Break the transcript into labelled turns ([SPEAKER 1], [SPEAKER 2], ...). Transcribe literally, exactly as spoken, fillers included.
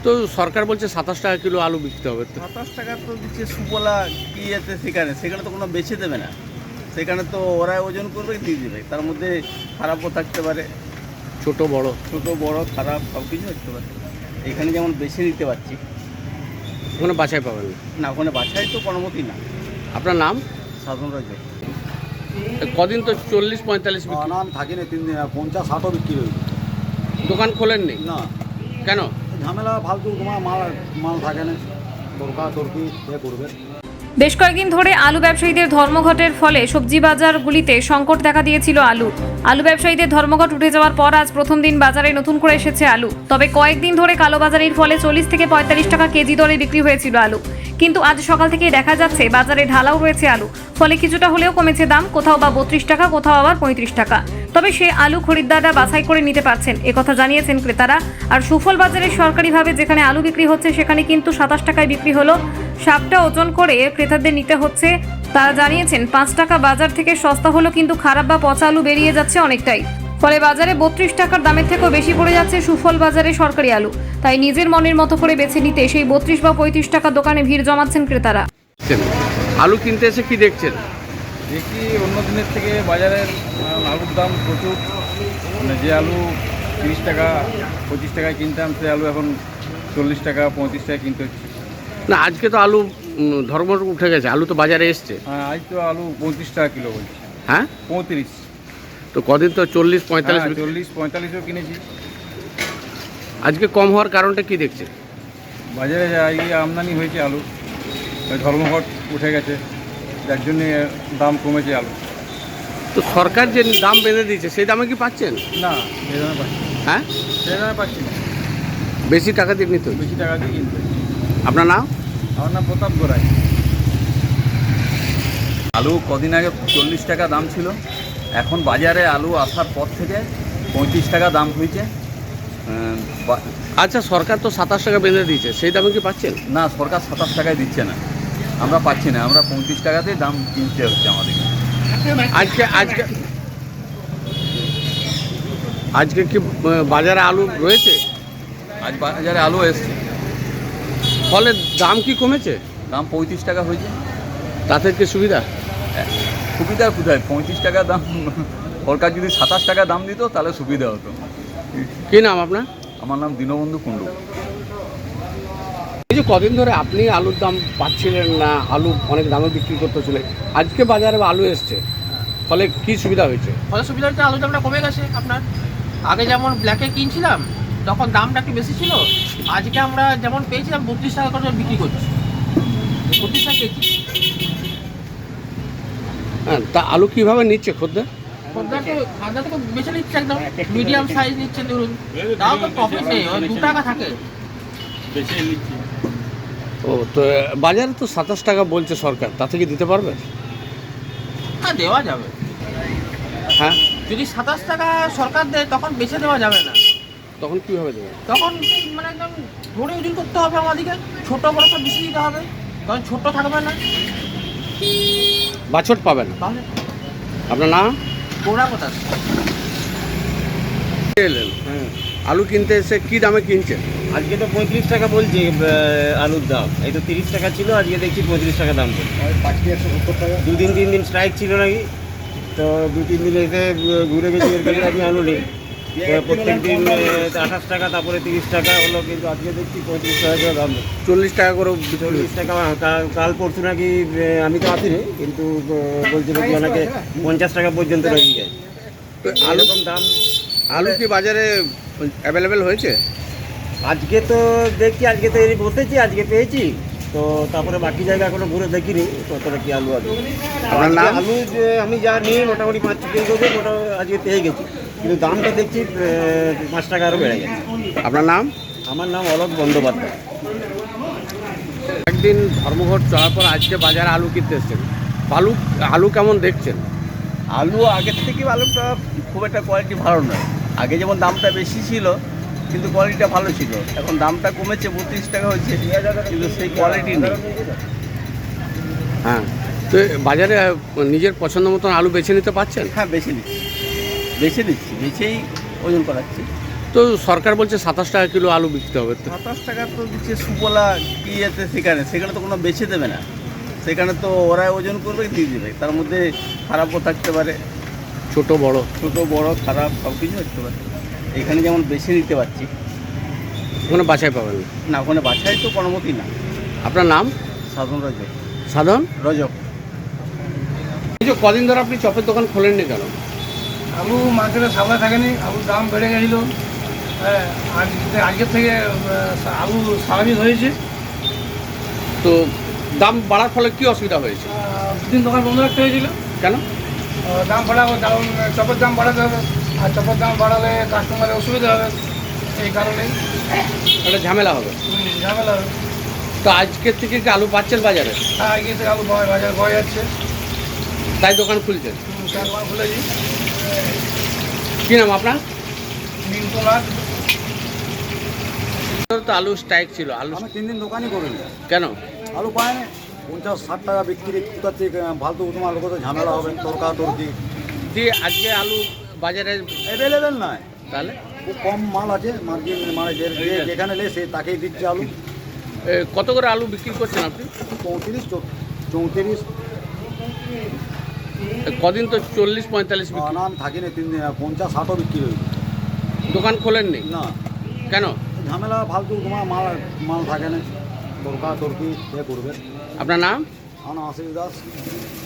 [SPEAKER 1] তো সরকার বলছে সাতাশ টাকা কিলো আলু বিকতে হবে। তো
[SPEAKER 2] সাতাশ টাকা তো দিচ্ছে সুফলা কি আছে সেখানে সেখানে তো কোনো বেছে দেবে না, সেখানে তো ওরা ওজন করবে দিয়ে দেবে, তার মধ্যে খারাপও থাকতে পারে,
[SPEAKER 1] ছোট বড়
[SPEAKER 2] ছোট বড় খারাপ সব কিছু থাকতে পারে। এখানে যেমন বেছে নিতে পারছি
[SPEAKER 1] ওখানে বাছাই পাবেন না।
[SPEAKER 2] না, ওখানে বাছাই তো কোনোমতি না।
[SPEAKER 1] আপনার নাম?
[SPEAKER 2] সাধন রাজ্য।
[SPEAKER 1] কদিন তো চল্লিশ পঁয়তাল্লিশ বিক্রি,
[SPEAKER 3] নাম থাকি না, তিন দিন পঞ্চাশ ষাটও বিক্রি হয়েছে।
[SPEAKER 1] দোকান খোলেননি
[SPEAKER 3] না,
[SPEAKER 1] কেন?
[SPEAKER 3] ঝামেলা ফালতু তোমার মাল মাল থাকে না, তরকা তরকি এ করবে।
[SPEAKER 4] বেশ কয়েকদিন ধরে আলু ব্যবসায়ীদের ধর্মঘটের ফলে সবজি বাজারগুলিতে সংকট দেখা দিয়েছিল আলু আলু ব্যবসায়ীদের ধর্মঘট উঠে যাওয়ার পর আজ প্রথম দিন বাজারে নতুন করে এসেছে আলু। তবে কয়েকদিন ধরে কালোবাজারির ফলে চল্লিশ থেকে পঁয়তাল্লিশ টাকা কেজি দরে বিক্রি হয়েছিল আলু, কিন্তু আজ সকাল থেকেই দেখা যাচ্ছে বাজারে ঢালাও রয়েছে আলু, ফলে কিছুটা হলেও কমেছে দাম, কোথাও বা বত্রিশ টাকা, কোথাও আবার পঁয়ত্রিশ টাকা। তবে সে আলু খরিদ্দাররা বাছাই করে নিতে পারছেন, একথা জানিয়েছেন ক্রেতারা। আর সুফল বাজারে সরকারিভাবে যেখানে আলু বিক্রি হচ্ছে সেখানে কিন্তু সাতাশ টাকায় বিক্রি হলো, সাপটা ওজন করে ক্রেতাদের নিতে হচ্ছে। তারা জানিয়েছেন পাঁচ টাকা বাজার থেকে সস্তা হলো, কিন্তু খারাপ বা পচা আলু বেরিয়ে যাচ্ছে অনেকটাই, ফলে বাজারে বত্রিশ টাকার দামের থেকেও বেশি পড়ে যাচ্ছে সুফল বাজারে সরকারি আলু। তাই নিজের মনের মতো করে বেছে নিতে সেই বত্রিশ বা পঁয়ত্রিশ টাকা দোকানে ভিড় জমাচ্ছেন ক্রেতারা।
[SPEAKER 1] আলু কিনতে এসে কি দেখছেন?
[SPEAKER 5] দেখি অন্য দিনের থেকে বাজারের আহ, আলুর দাম প্রচুর, মানে যে আলু তিরিশ টাকা পঁচিশ টাকায় কিনতাম সে আলু এখন চল্লিশ টাকা পঁয়ত্রিশ টাকা কিনতে হচ্ছে।
[SPEAKER 1] না, আজকে তো আলু উম, ধর্মঘট উঠে গেছে, আলু তো বাজারে এসছে।
[SPEAKER 5] হ্যাঁ, আজ তো আলু পঁয়ত্রিশ টাকা কিলো বলছে।
[SPEAKER 1] হ্যাঁ,
[SPEAKER 5] পঁয়ত্রিশ,
[SPEAKER 1] তো কদিন তো চল্লিশ পঁয়তাল্লিশ
[SPEAKER 5] হ্যাঁ,
[SPEAKER 1] বিক্রি-
[SPEAKER 5] চল্লিশ পঁয়তাল্লিশও কিনেছি।
[SPEAKER 1] আজকে কম হওয়ার কারণটা কি দেখছে?
[SPEAKER 5] বাজারে যা এই আমদানি হয়েছে আলু, ওই ধর্মঘট উঠে গেছে, যার জন্যে দাম কমেছে আলু।
[SPEAKER 1] তো সরকার যে দাম বেঁধে দিয়েছে সেই দামে কি পাচ্ছেন?
[SPEAKER 5] না, সেই দামে পাচ্ছি না।
[SPEAKER 1] হ্যাঁ,
[SPEAKER 5] সেই দামে পাচ্ছি না,
[SPEAKER 1] বেশি টাকা দিয়ে নিতে হচ্ছে।
[SPEAKER 5] বেশি টাকা দিয়ে কিনতে হচ্ছে।
[SPEAKER 1] আপনার নাম?
[SPEAKER 5] আমার নাম প্রতাপ গোড়াই।
[SPEAKER 2] আলু কদিন আগে চল্লিশ টাকা দাম ছিল, এখন বাজারে আলু আসার পর থেকে পঁয়ত্রিশ টাকা দাম হয়েছে। আহ, বা-
[SPEAKER 1] আচ্ছা, সরকার তো সাতাশ টাকা বেঁধে দিয়েছে, সেই দামে কি পাচ্ছেন?
[SPEAKER 2] না, সরকার সাতাশ টাকায় দিচ্ছে না, আমরা পাচ্ছি না, আমরা পঁয়ত্রিশ টাকাতেই দাম কিনতে হচ্ছে আমাদের।
[SPEAKER 1] আজকে আজকে আজকে কি আহ, বাজারে আলু রয়েছে?
[SPEAKER 2] আজ বাজারে আলু এসছে,
[SPEAKER 1] ফলে দাম কি কমেছে?
[SPEAKER 2] দাম পঁয়ত্রিশ টাকা হয়েছে।
[SPEAKER 1] তাতে কি সুবিধা?
[SPEAKER 2] সুবিধা কোথায়, পঁয়ত্রিশ টাকা দাম, সরকার যদি সাতাশ টাকা দাম দিত তাহলে সুবিধা হতো।
[SPEAKER 1] কি নাম আপনার?
[SPEAKER 2] আমার নাম দীনবন্ধু কুণ্ডু।
[SPEAKER 1] এই যে কদিন ধরে আপনি আলুর দাম পাচ্ছিলেন না, আলু অনেক দামে বিক্রি করতেছিলেন, আজকে বাজারে আলু এসছে, ফলে কি সুবিধা হয়েছে?
[SPEAKER 6] ফলে সুবিধা হচ্ছে আলুর দামটা কমে গেছে আপনার। আগে যেমন ব্ল্যাকে কিনছিলাম তখন দামটা একটু বেশি ছিল, আজকে আমরা যেমন পেয়েছিলাম বত্রিশ টাকা করে বিক্রি করছি, বত্রিশ টাকা কেজি।
[SPEAKER 1] হ্যাঁ, তা আলু কিভাবে নিচ্ছে খদ্দের?
[SPEAKER 6] খদ্দের তো খাদ্য তো বেছে নিচ্ছে একদম মিডিয়াম সাইজ নিচ্ছে, ধরুন তাও তো প্রফিট নেই, ওই দু টাকা থাকে।
[SPEAKER 1] ও, তো বাজারে তো সাতাশ টাকা বলছে সরকার, তা থেকে দিতে পারবে?
[SPEAKER 6] হ্যাঁ, দেওয়া যাবে।
[SPEAKER 1] হ্যাঁ,
[SPEAKER 6] যদি সাতাশ টাকা সরকার দেয় তখন বেছে দেওয়া যাবে না,
[SPEAKER 1] তখন কীভাবে দেবে?
[SPEAKER 6] তখন মানে একদম ধরে ওজন করতে হবে আমাদেরকে, ছোটো বড় সব বেশি দিতে হবে, তখন ছোটো থাকবে না।
[SPEAKER 1] বাছট পাবে না।
[SPEAKER 6] তাহলে
[SPEAKER 1] আপনার নাম?
[SPEAKER 6] কোড়া কোথা
[SPEAKER 1] এলেন আলু কিনতে এসে কি দামে কিনছেন?
[SPEAKER 7] আজকে তো পঁয়ত্রিশ টাকা বলছি আলুর দাম, এই তো তিরিশ টাকা ছিল, আজকে দেখছি পঁয়ত্রিশ টাকা দাম বলছে। দুদিন তিন দিন স্ট্রাইক ছিল নাকি, তো দু তিন দিন এসে ঘুরে গেছি, এর কাছে আমি আলু নেই। প্রত্যেক দিন আঠাশ টাকা, তারপরে তিরিশ টাকা হলো, কিন্তু আজকে দেখছি পঁয়ত্রিশ টাকা করে দাম।
[SPEAKER 1] চল্লিশ টাকা করে বিক্রি
[SPEAKER 7] চল্লিশ
[SPEAKER 1] হচ্ছে।
[SPEAKER 7] টাকা কা- কাল পরশু নাকি, আমি তো আসিনি, কিন্তু বলছে নাকি অনেকে পঞ্চাশ টাকা পর্যন্ত নাকি যায়।
[SPEAKER 1] তো আলু
[SPEAKER 7] এরকম দাম
[SPEAKER 1] আলু কি বাজারে অ্যাভেলেবেল হয়েছে?
[SPEAKER 7] আজকে তো দেখছি, আজকে তো এই বসেছি, আজকে পেয়েছি, তো তারপরে বাকি জায়গা এখনো ঘুরে দেখিনি কতটা কি আলু আছে।
[SPEAKER 1] আপনার নাম?
[SPEAKER 7] আলু যে আমি যা নিই মোটামুটি পাঁচ কেজি করে মোটা আজকে পেয়ে গেছি, কিন্তু দামটা দেখছি আহ, পাঁচ টাকা আরও বেড়ে গেছে।
[SPEAKER 1] আপনার নাম?
[SPEAKER 7] আমার নাম অলোক বন্দ্যোপাধ্যায়।
[SPEAKER 1] একদিন ধর্মঘট চলার পর আজকে বাজারে আলু কিনতে এসছেন, আলু আলু কেমন দেখছেন?
[SPEAKER 2] আলু আগের থেকে আলুটা খুব একটা কোয়ালিটি ভালো নয়, আগে যেমন দামটা বেশি ছিল কিন্তু কোয়ালিটিটা ভালো ছিল, এখন দামটা কমেছে, বত্রিশ টাকা হয়েছে, কিন্তু সেই কোয়ালিটি নেই।
[SPEAKER 1] হ্যাঁ, তো বাজারে নিজের পছন্দ মতন আলু বেছে নিতে পারছেন?
[SPEAKER 2] হ্যাঁ, বেছে নিচ্ছি বেছে নিচ্ছি বেছেই ওজন করাচ্ছি।
[SPEAKER 1] তো সরকার বলছে সাতাশ টাকা কিলো আলু বিকতে হবে, তো
[SPEAKER 2] সাতাশ টাকা তো দিচ্ছে সুবলা কি আছে সেখানে সেখানে তো কোনো বেছে দেবে না, সেখানে তো ওরা ওজন করবে দিয়ে দেবে, তার মধ্যে খারাপও থাকতে পারে,
[SPEAKER 1] ছোট বড়।
[SPEAKER 2] ছোট বড় খারাপ সব কিছু থাকতে পারে। এখানে যেমন বেছে নিতে পারছি
[SPEAKER 1] ওখানে বাছাই পাবেন না।
[SPEAKER 2] না, ওখানে বাছাই তো কোনোমতি না।
[SPEAKER 1] আপনার নাম?
[SPEAKER 2] সাধারণ রজক।
[SPEAKER 1] সাধন
[SPEAKER 2] রজক।
[SPEAKER 1] এই যে কদিন ধরে আপনি চপের দোকান খোলেননি কেন?
[SPEAKER 8] আলু মার্কেটে সাপ্লাই থাকেনি, আলুর দাম বেড়ে গেছিলো। হ্যাঁ, আজকে আজকের থেকে আহ, আলু স্বাভাবিক হয়েছে।
[SPEAKER 1] তো দাম বাড়ার ফলে কি অসুবিধা হয়েছে?
[SPEAKER 8] আহ, দুদিন দোকান বন্ধ রাখতে হয়েছিল।
[SPEAKER 1] কেন?
[SPEAKER 8] আহ, দাম বাড়াবো, কারণ চপের দাম বাড়াতে হবে, আর চপের দাম বাড়ালে কাস্টমারের অসুবিধা হবে, এই কারণেই
[SPEAKER 1] একটা ঝামেলা হবে।
[SPEAKER 8] হুম, ঝামেলা হবে।
[SPEAKER 1] তো আজকের থেকে কি আলু পাচ্ছেন বাজারে?
[SPEAKER 8] হ্যাঁ, আজকে থেকে আলু পাওয়া বাজার পাওয়া যাচ্ছে।
[SPEAKER 1] তাই দোকান খুলছেন?
[SPEAKER 8] হুম, চার দোকান খুলেছি।
[SPEAKER 1] কি নাম আপনার?
[SPEAKER 8] মিন্টু নাথ।
[SPEAKER 1] তো আলু স্ট্রাইক ছিল, আলু
[SPEAKER 3] আমি তিন দিন দোকানই করিনি,
[SPEAKER 1] কেন?
[SPEAKER 3] আলু পায় না, পঞ্চাশ ষাট টাকা বিক্রি, কোথার থেকে ফালতু তোমার লোক তো ঝামেলা হবে, তরকা তরকি
[SPEAKER 1] দিয়ে আজকে আলু বাজারে
[SPEAKER 3] অ্যাভেলেবেল নয়,
[SPEAKER 1] তাহলে
[SPEAKER 3] খুব কম মাল আছে মার্কেট, মানে যে যে- যেখানে নেই সে তাকেই দিচ্ছে আলু।
[SPEAKER 1] এ, কত করে আলু বিক্রি করছেন আপনি?
[SPEAKER 3] চৌত্রিশ চৌত্রিশ
[SPEAKER 1] এ, কদিন তো চল্লিশ পঁয়তাল্লিশ বিক্রি।
[SPEAKER 3] না আমি থাকি না, তিন দিন পঞ্চাশ ষাটও বিক্রি হয়েছে।
[SPEAKER 1] দোকান খোলেননি
[SPEAKER 3] না,
[SPEAKER 1] কেন?
[SPEAKER 3] ঝামেলা ফালতু তোমার মাল মাল থাকে না, তরকা তরকি এ করবে।
[SPEAKER 1] আপনার নাম?
[SPEAKER 3] আমার নাম আশিস দাস।